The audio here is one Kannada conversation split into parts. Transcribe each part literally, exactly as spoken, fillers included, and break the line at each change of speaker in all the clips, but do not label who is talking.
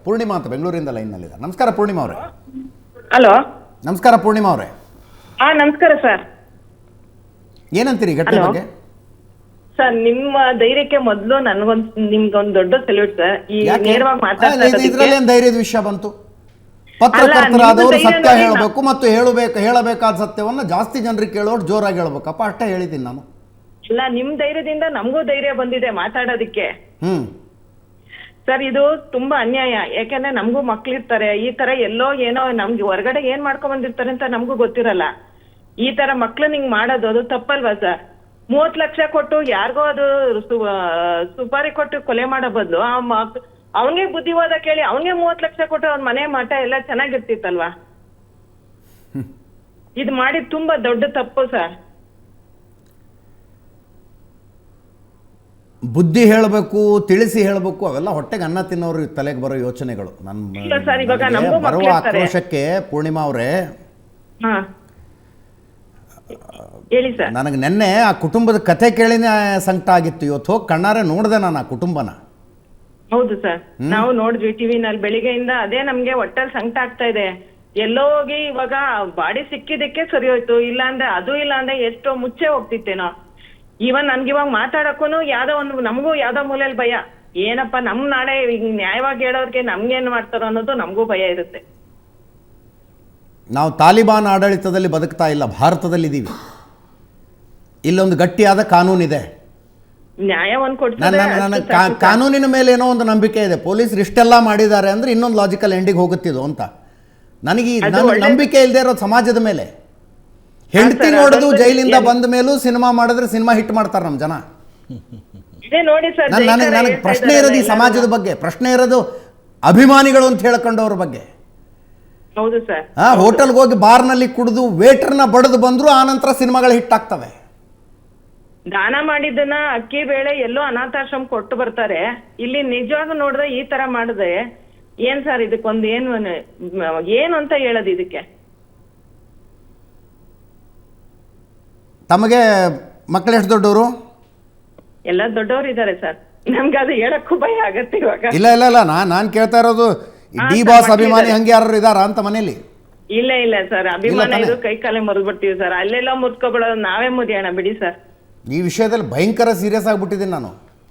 ಪೂರ್ಣಿಮಾ ಅಂತ ಬೆಂಗಳೂರಿಂದ ಲೈನ್ನಲ್ಲಿದ್ದಾರೆ. ನಮಸ್ಕಾರ ಪೂರ್ಣಿಮಾ ಅವರೇ.
ಹಲೋ,
ನಮಸ್ಕಾರ ಪೂರ್ಣಿಮಾ ಅವರೇ.
ಹಾ ನಮಸ್ಕಾರ ಸರ್.
ಏನಂತೀರಿ ಘಟನೆ ಬಗ್ಗೆ?
ಸರ್ ನಿಮ್ಮ ಧೈರ್ಯಕ್ಕೆ ಮೊದಲು ನನಗೊಂದು ನಿಮ್ಗೊಂದು ದೊಡ್ಡ ಸಲ್ಯೂಟ್ ಸರ್. ಈ ನೇರವಾಗಿ ಮಾತಾಡ್ತಾ
ಇದರಲ್ಲಿ ಏನು ಧೈರ್ಯದ ವಿಷಯ ಬಂತು? ಪತ್ರಕರ್ತರಾದವರು ಸತ್ಯ ಹೇಳಬೇಕು ಮತ್ತು ಹೇಳಬೇಕು ಹೇಳಬೇಕಾದ ಸತ್ಯವನ್ನ ಜಾಸ್ತಿ ಜನರಿಗೆ ಕೇಳೋರು ಜೋರಾಗಿ ಹೇಳ್ಬೇಕಪ್ಪ, ಅಷ್ಟೇ ಹೇಳಿದ್ದೀನಿ ನಾನು.
ಇಲ್ಲ, ನಿಮ್ ಧೈರ್ಯದಿಂದ ನಮಗೂ ಧೈರ್ಯ ಬಂದಿದೆ ಮಾತಾಡೋದಿಕ್ಕೆ.
ಹ್ಮ್
ಸರ್, ಇದು ತುಂಬಾ ಅನ್ಯಾಯ. ಯಾಕಂದ್ರೆ ನಮಗೂ ಮಕ್ಳಿರ್ತಾರೆ, ಈ ತರ ಎಲ್ಲೋ ಏನೋ ನಮ್ಗೆ ಹೊರಗಡೆ ಏನ್ ಮಾಡ್ಕೊಂಡ್ ಬಂದಿರ್ತಾರೆ ಅಂತ ನಮಗೂ ಗೊತ್ತಿರಲ್ಲ. ಈ ತರ ಮಕ್ಳು ನಿಂಗ್ ಮಾಡೋದು ಅದು ತಪ್ಪಲ್ವಾ ಸರ್? ಮೂವತ್ ಲಕ್ಷ ಕೊಟ್ಟು ಯಾರಿಗೋ ಅದು ಸುಪಾರಿ ಕೊಟ್ಟು ಕೊಲೆ ಮಾಡೋ ಬದಲು ಅವನಿಗೆ ಬುದ್ಧಿವಾದ ಕೇಳಿ ಅವನಿಗೆ ಮೂವತ್ ಲಕ್ಷ ಕೊಟ್ಟು ಅವ್ನ ಮನೆ ಮಠ ಎಲ್ಲ ಚೆನ್ನಾಗಿರ್ತಿತ್ತಲ್ವಾ? ಇದು ಮಾಡಿದ್ ತುಂಬಾ ದೊಡ್ಡ ತಪ್ಪು ಸರ್.
ಬುದ್ಧಿ ಹೇಳಬೇಕು, ತಿಳಿಸಿ ಹೇಳಬೇಕು, ಅವೆಲ್ಲ ಹೊಟ್ಟೆಗೆ ಅನ್ನ ತಿನ್ನೋರು ತಲೆಗೆ ಬರೋ ಯೋಚನೆಗಳು. ನನ್ನ ಬರುವ ಆಕ್ರೋಶಕ್ಕೆ ಪೂರ್ಣಿಮಾ ಅವರೇ, ನನಗೆ ನೆನ್ನೆ ಆ ಕುಟುಂಬದ ಕಥೆ ಕೇಳಿನೇ ಸಂಕಟ ಆಗಿತ್ತು. ಇವತ್ತು ಹೋಗಿ ಕಣ್ಣಾರೆ ನೋಡಿದೆ ನಾನು ಆ ಕುಟುಂಬನ.
ಹೌದು ಸರ್, ನಾವು ನೋಡಿದ್ವಿ ಟಿವಿನಲ್ಲಿ ಬೆಳಿಗ್ಗೆಯಿಂದ. ಅದೇ ನಮ್ಗೆ ಒಟ್ಟಲ್ಲಿ ಸಂಕಟ ಆಗ್ತಾ ಇದೆ. ಎಲ್ಲೋ ಹೋಗಿ ಇವಾಗ ಬಾಡಿ ಸಿಕ್ಕಿದಕ್ಕೆ ಸರಿ ಹೋಯ್ತು, ಇಲ್ಲ ಅಂದ್ರೆ ಅದು ಇಲ್ಲ ಅಂದ್ರೆ ಎಷ್ಟೋ ಮುಚ್ಚೆ ಹೋಗ್ತಿತ್ತೇನೋ. ಇವನ್ ನನ್ಗೆ ಇವಾಗ ಮಾತಾಡಕ್ಕೂ ಯಾವ್ದೋ ಒಂದು ನಮಗೂ ಯಾವ್ದೋ ಮೂಲೆಯಲ್ಲಿ ಭಯ. ಏನಪ್ಪ ನಮ್ ನಾಳೆ ನ್ಯಾಯವಾಗಿ ಹೇಳೋರ್ಗೆ ನಮ್ಗೇನ್ ಮಾಡ್ತಾರೋ ಅನ್ನೋದು ನಮಗೂ ಭಯ ಇರುತ್ತೆ.
ನಾವು ತಾಲಿಬಾನ್ ಆಡಳಿತದಲ್ಲಿ ಬದುಕ್ತಾ ಇಲ್ಲ, ಭಾರತದಲ್ಲಿ ಇದ್ದೀವಿ. ಇಲ್ಲೊಂದು ಗಟ್ಟಿಯಾದ ಕಾನೂನಿದೆ.
ನ್ಯಾಯವನ್ನು
ನನ್ನ ಕಾನೂನಿನ ಮೇಲೆ ಏನೋ ಒಂದು ನಂಬಿಕೆ ಇದೆ. ಪೊಲೀಸರು ಇಷ್ಟೆಲ್ಲ ಮಾಡಿದ್ದಾರೆ ಅಂದ್ರೆ ಇನ್ನೊಂದು ಲಾಜಿಕಲ್ ಎಂಡಿಗೆ ಹೋಗುತ್ತಿದ್ದು ಅಂತ ನನಗೆ ನನ್ನ ನಂಬಿಕೆ ಇಲ್ಲದೆ ಇರೋ ಸಮಾಜದ ಮೇಲೆ. ಹೆಂಡತಿ ನೋಡೋದು ಜೈಲಿಂದ ಬಂದ ಮೇಲೂ ಸಿನಿಮಾ ಮಾಡಿದ್ರೆ ಸಿನಿಮಾ ಹಿಟ್ ಮಾಡ್ತಾರೆ ನಮ್ಮ ಜನ. ನನಗೆ ನನಗೆ ಪ್ರಶ್ನೆ ಇರೋದು ಈ ಸಮಾಜದ ಬಗ್ಗೆ, ಪ್ರಶ್ನೆ ಇರೋದು ಅಭಿಮಾನಿಗಳು ಅಂತ ಹೇಳ್ಕೊಂಡವ್ರ ಬಗ್ಗೆ.
ಹೌದು ಸರ್.
ಹಾ, ಹೋಟೆಲ್ಗೆ ಹೋಗಿ ಬಾರ್ನಲ್ಲಿ ಕುಡಿದು ವೇಟರ್ನ ಬಡದು ಬಂದ್ರು ಆನಂತರ ಸಿನಿಮಾಗಳು ಹಿಟ್ ಆಗ್ತವೆ.
ದಾನ ಮಾಡಿದ್ದನ್ನ ಅಕ್ಕಿ ಬೇಳೆ ಎಲ್ಲೋ ಅನಾಥಾಶ್ರಮ ಕೊಟ್ಟು ಬರ್ತಾರೆ. ಇಲ್ಲಿ ನಿಜವಾಗ ನೋಡಿದ್ರೆ ಈ ತರ ಮಾಡಿದ್ರೆ ಏನ್ ಸರ್ ಇದಕ್ಕೊಂದು ಏನು ಏನು ಅಂತ ಹೇಳೋದು ಇದಕ್ಕೆ?
ತಮಗೆ ಮಕ್ಕಳು ಎಷ್ಟು ದೊಡ್ಡವರು?
ಎಲ್ಲ ದೊಡ್ಡವರು ಇದ್ದಾರೆ ಸರ್. ನಮ್ಗೆ ಅದು ಹೇಳಕ್ಕೂ ಭಯ ಆಗತ್ತೆ ಇವಾಗ.
ಇಲ್ಲ ಇಲ್ಲ ಇಲ್ಲ ನಾನ್ ನಾನ್ ಕೇಳ್ತಾ ಇರೋದು ಡಿ ಬಾಸ್ ಅಭಿಮಾನಿ ಹಂಗೆ ಯಾರು ಇದಾರ ಅಂತ ಮನೇಲಿ?
ಇಲ್ಲ ಇಲ್ಲ ಸರ್, ಅಭಿಮಾನ ಇದು ಕೈ ಕಾಲೇ ಮುರಿದ್ಬಿಡ್ತೀವಿ ಸರ್. ಅಲ್ಲೆಲ್ಲ ಮುರ್ಕೊಬಿಡೋದು ನಾವೇ ಮುರಿಯೋಣ ಬಿಡಿ ಸರ್.
ಈ ವಿಷಯದಲ್ಲಿ ಭಯಂಕರ ಸೀರಿಯಸ್ ಆಗ್ಬಿಟ್ಟಿದ್ದೀನಿ ನಾನು.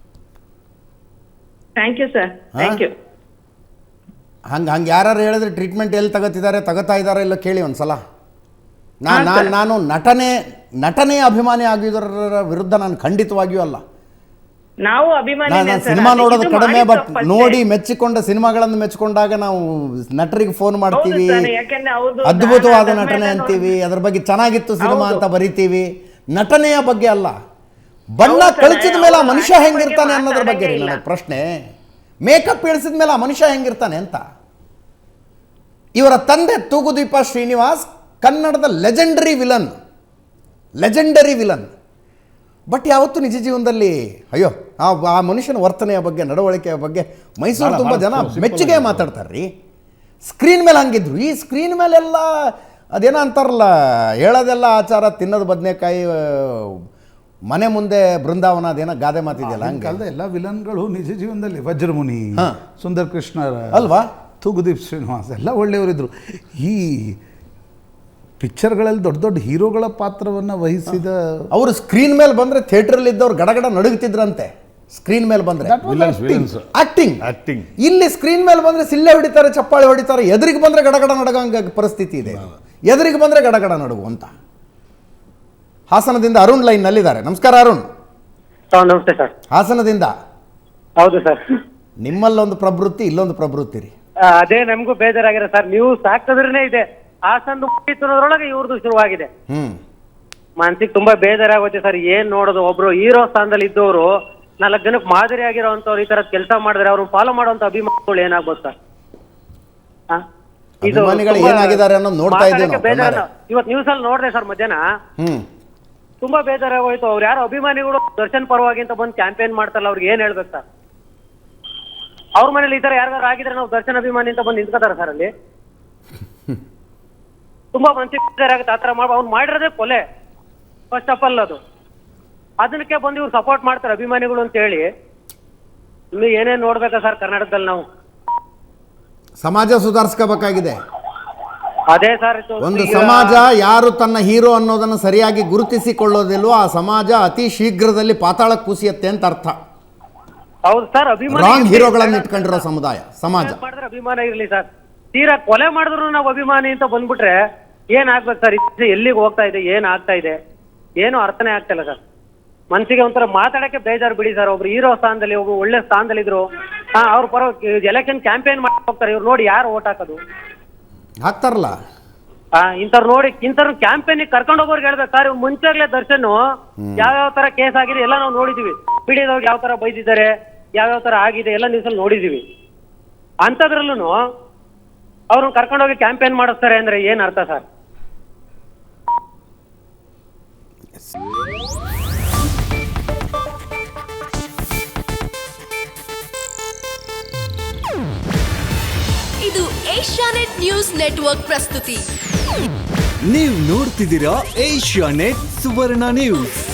Thank you sir, thank you.
ಹಂಗೆ ಹಂಗೆ ಯಾರು ಹೇಳಿದ್ರೆ ಟ್ರೀಟ್ಮೆಂಟ್ ಎಲ್ಲಿ ತಗೋತಿದ್ದಾರೆ, ತಗೋತಾ ಇದ್ದಾರೆ ಇಲ್ಲ ಕೇಳಿ ಒಂದ್ಸಲ. ನಾನು ನಾನು ನಾನು ನಟನೆ ನಟನೆಯ ಅಭಿಮಾನಿ ಆಗಿದ್ದರ ವಿರುದ್ಧ ನಾನು ಖಂಡಿತವಾಗಿಯೂ ಅಲ್ಲ.
ನಾವು ಅಭಿಮಾನಿ.
ಸಿನಿಮಾ ನೋಡೋದು ಕಡಿಮೆ, ಬಟ್ ನೋಡಿ ಮೆಚ್ಚಿಕೊಂಡ ಸಿನಿಮಾಗಳನ್ನು ಮೆಚ್ಚಿಕೊಂಡಾಗ ನಾವು ನಟರಿಗೆ ಫೋನ್ ಮಾಡ್ತೀವಿ, ಅದ್ಭುತವಾದ ನಟನೆ ಅಂತೀವಿ, ಅದ್ರ ಬಗ್ಗೆ ಚೆನ್ನಾಗಿತ್ತು ಸಿನಿಮಾ ಅಂತ ಬರಿತೀವಿ. ನಟನೆಯ ಬಗ್ಗೆ ಅಲ್ಲ, ಬಣ್ಣ ಕಳಿಸಿದ ಮೇಲೆ ಆ ಮನುಷ್ಯ ಹೆಂಗಿರ್ತಾನೆ ಅನ್ನೋದ್ರ ಬಗ್ಗೆ ರೀ ನನಗೆ ಪ್ರಶ್ನೆ. ಮೇಕಪ್ ಇಳಿಸಿದ ಮೇಲೆ ಆ ಮನುಷ್ಯ ಹೆಂಗಿರ್ತಾನೆ ಅಂತ. ಇವರ ತಂದೆ ತೂಗುದೀಪ ಶ್ರೀನಿವಾಸ್ ಕನ್ನಡದ legendary villain, legendary villain. But ಯಾವತ್ತೂ ನಿಜ ಜೀವನದಲ್ಲಿ ಅಯ್ಯೋ ಆ ಆ ಮನುಷ್ಯನ ವರ್ತನೆಯ ಬಗ್ಗೆ, ನಡವಳಿಕೆಯ ಬಗ್ಗೆ ಮೈಸೂರು ತುಂಬ ಜನ ಮೆಚ್ಚುಗೆ ಮಾತಾಡ್ತಾರೆ ರೀ. ಸ್ಕ್ರೀನ್ ಮೇಲೆ ಹಂಗಿದ್ರು, ಈ ಸ್ಕ್ರೀನ್ ಮೇಲೆಲ್ಲ ಅದೇನೋ ಅಂತಾರಲ್ಲ, ಹೇಳೋದೆಲ್ಲ ಆಚಾರ, ತಿನ್ನೋದು ಬದನೆಕಾಯಿ, ಮನೆ ಮುಂದೆ ಬೃಂದಾವನ, ಅದೇನೋ ಗಾದೆ ಮಾತಿದೆಯಲ್ಲ ಹಂಗೆ.
ಕಾಲದ ಎಲ್ಲ ವಿಲನ್ಗಳು ನಿಜ ಜೀವನದಲ್ಲಿ ವಜ್ರಮುನಿ, ಸುಂದರ್ ಕೃಷ್ಣ
ಅಲ್ವಾ,
ತೂಗುದೀಪ್ ಶ್ರೀನಿವಾಸ್ ಎಲ್ಲ ಒಳ್ಳೆಯವರಿದ್ರು. ಈ ಪಿಕ್ಚರ್ಗಳಲ್ಲಿ ದೊಡ್ಡ ದೊಡ್ಡ ಹೀರೋಗಳ ಪಾತ್ರವನ್ನು ವಹಿಸಿದ ಅವರು
ಸ್ಕ್ರೀನ್ ಮೇಲೆ ಬಂದರೆ ಥಿಯೇಟ್ರಲ್ಲಿ ಇದ್ದವ್ರು ಗಡಗಡ ನಡುಗ್ತಿದ್ರಂತೆ. ಸ್ಕ್ರೀನ್ ಮೇಲೆ ಬಂದರೆ ಆಕ್ಟಿಂಗ್ ಆಕ್ಟಿಂಗ್ ಇಲ್ಲಿ ಸ್ಕ್ರೀನ್ ಮೇಲೆ ಬಂದರೆ ಸಿಲ್ಲೆ ಹೊಡಿತಾರೆ, ಚಪ್ಪಾಳೆ ಹೊಡಿತಾರೆ. ಎದುರಿಗೆ ಬಂದರೆ ಗಡಗಡ ನಡಗಂಗ ಪರಿಸ್ಥಿತಿ ಇದೆ. ಎದುರಿಗೆ ಬಂದರೆ ಗಡಗಡ ನಡುಗು ಅಂತ. ಹಾಸನದಿಂದ ಅರುಣ್ ಲೈನ್ ನಲ್ಲಿದ್ದಾರೆ. ನಮಸ್ಕಾರ ಅರುಣ್.
ನಮಸ್ತೆ ಸರ್.
ಹಾಸನದಿಂದ.
ಹೌದು ಸರ್.
ನಿಮ್ಮಲ್ಲೊಂದು ಪ್ರವೃತ್ತಿ, ಇಲ್ಲೊಂದು ಪ್ರವೃತ್ತಿ ರೀ.
ಅದೇ ನಮಗೂ ಬೇಜಾರಾಗಿದೆ ಸರ್. ನೀವು ಸಾಕ್ತದ್ರೇ ಇದೆ, ಹಾಸನ ಮುಗಿತುನೋದ್ರೊಳಗೆ ಇವ್ರದ್ದು ಶುರುವಾಗಿದೆ.
ಹ್ಮ್
ಮನ್ಸಿಗೆ ತುಂಬಾ ಬೇಜಾರಾಗುತ್ತೆ ಸರ್. ಏನ್ ನೋಡೋದು, ಒಬ್ರು ಹೀರೋ ಸ್ಥಾನದಲ್ಲಿ ಇದ್ದವರು ನಾಲ್ಕು ಜನಕ್ಕೆ ಮಾದರಿ ಆಗಿರೋಂಥವ್ರು ಈ ತರದ್ ಕೆಲಸ ಮಾಡಿದ್ರೆ ಅವ್ರನ್ನ ಫಾಲೋ ಮಾಡುವಂತ ಅಭಿಮಾನಿಗಳು ಏನಾಗ್ಬೋದು ಸರ್?
ಏನಾಗಿದ್ದಾರೆ ಅನ್ನೋದು ನೋಡ್ತಾ ಇದ್ದೀವಿ.
ಇವತ್ತು ನ್ಯೂಸ್ ಅಲ್ಲಿ ನೋಡಿದೆ ಸರ್ ಮಧ್ಯಾಹ್ನ. ತುಂಬಾ ಬೇಜಾರಾಗೋಯ್ತು. ಅವ್ರು ಯಾರೋ ಅಭಿಮಾನಿಗಳು ದರ್ಶನ್ ಪರವಾಗಿ ಅಂತ ಬಂದು ಕ್ಯಾಂಪೇನ್ ಮಾಡ್ತಾರಲ್ಲ, ಅವ್ರಿಗೆ ಏನ್ ಹೇಳ್ಬೇಕು ಸರ್? ಅವ್ರ ಮನೇಲಿ ಈ ತರ ಯಾರು ಆಗಿದ್ರೆ ನಾವು ದರ್ಶನ್ ಅಭಿಮಾನಿ ಅಂತ ಬಂದು ನಿಂತ್ಕೋತಾರ ಸರ್ ಅಲ್ಲಿ? ತುಂಬಾ ಮನ್ಸಿಗೆ ಬೇಜಾರಾಗುತ್ತೆ. ಆತರ ಮಾಡ ಅವ್ನು ಮಾಡಿರೋದೇ ಕೊಲೆ ಫಸ್ಟ್ ಆಫ್ ಆಲ್. ಅದು ಅದಕ್ಕೆ ಬಂದು ಇವ್ರು ಸಪೋರ್ಟ್ ಮಾಡ್ತಾರೆ ಅಭಿಮಾನಿಗಳು ಅಂತ ಹೇಳಿ. ಇನ್ನು ಏನೇನ್ ನೋಡ್ಬೇಕಾ ಸರ್ ಕರ್ನಾಟಕದಲ್ಲಿ ನಾವು?
ಸಮಾಜ ಸುಧಾರಿಸ್ಕೋಬೇಕಾಗಿದೆ.
ಅದೇ ಸರ್
ಒಂದು ಸಮಾಜ ಯಾರು ತನ್ನ ಹೀರೋ ಅನ್ನೋದನ್ನು ಸರಿಯಾಗಿ ಗುರುತಿಸಿಕೊಳ್ಳೋದಿಲ್ವೋ ಆ ಸಮಾಜ ಅತಿ ಶೀಘ್ರದಲ್ಲಿ ಪಾತಾಳಕ್ಕೆ ಕುಸಿಯುತ್ತೆ ಅಂತ ಅರ್ಥ.
ಹೌದು ಸರ್, ಅಭಿಮಾನ
ರಾಂಗ್ ಹೀರೋಗಳನ್ನು ಇಟ್ಕೊಂಡಿರೋ ಸಮುದಾಯ ಸಮಾಜ
ಮಾಡಿದ್ರೆ ಅಭಿಮಾನ ಇರ್ಲಿ ಸರ್. ತೀರಾ ಕೊಲೆ ಮಾಡಿದ್ರು ನಾವು ಅಭಿಮಾನಿ ಅಂತ ಬಂದ್ಬಿಟ್ರೆ ಏನ್ ಆಗ್ಬೇಕು ಸರ್? ಎಲ್ಲಿಗೆ ಹೋಗ್ತಾ ಇದೆ, ಏನ್ ಆಗ್ತಾ ಇದೆ, ಏನು ಅರ್ಥನೇ ಆಗ್ತಾ ಇಲ್ಲ ಸರ್. ಮನ್ಸಿಗೆ ಒಂಥರ ಮಾತಾಡಕ್ಕೆ ಬೇಜಾರು ಬಿಡಿ ಸರ್. ಒಬ್ರು ಹೀರೋ ಸ್ಥಾನದಲ್ಲಿ, ಒಬ್ರು ಒಳ್ಳೆ ಸ್ಥಾನದಲ್ಲಿ ಇದ್ರು, ಹಾ ಅವ್ರ ಪರ ಎಲೆಕ್ಷನ್ ಕ್ಯಾಂಪೇನ್ ಮಾಡಿ ಹೋಗ್ತಾರೆ. ಇವ್ರು ನೋಡಿ ಯಾರು ಓಟ್ ಹಾಕೋದು
ಹಾಕ್ತಾರಲ್ಲ.
ಆ ಇಂಥವ್ರು ನೋಡಿ ಇಂಥವ್ರು ಕ್ಯಾಂಪೇನ್ ಕರ್ಕೊಂಡು ಹೋಗೋರ್ಗೆ ಹೇಳ್ಬೇಕು ಸರ್. ಇವ್ರು ಮುಂಚೆಗ್ಲೇ ದರ್ಶನ್ ಯಾವ್ಯಾವ ತರ ಕೇಸ್ ಆಗಿದೆ ಎಲ್ಲ ನಾವು ನೋಡಿದೀವಿ. ಬಿಡಿದವ್ರಿಗೆ ಯಾವ ತರ ಬೈದಿದ್ದಾರೆ, ಯಾವ್ಯಾವ ತರ ಆಗಿದೆ ಎಲ್ಲ ನ್ಯೂಸಲ್ಲಿ ನೋಡಿದೀವಿ. ಅಂಥದ್ರಲ್ಲೂ ಅವ್ರನ್ನ ಕರ್ಕೊಂಡೋಗಿ ಕ್ಯಾಂಪೇನ್ ಮಾಡಿಸ್ತಾರೆ ಅಂದ್ರೆ ಏನ್ ಅರ್ಥ ಸರ್?
ಇದು ಏಷ್ಯಾನೆಟ್ ನ್ಯೂಸ್ ನೆಟ್ವರ್ಕ್ ಪ್ರಸ್ತುತಿ.
ನೀವು ನೋಡ್ತಿದ್ದೀರಾ ಏಷ್ಯಾನೆಟ್ ಸುವರ್ಣ ನ್ಯೂಸ್.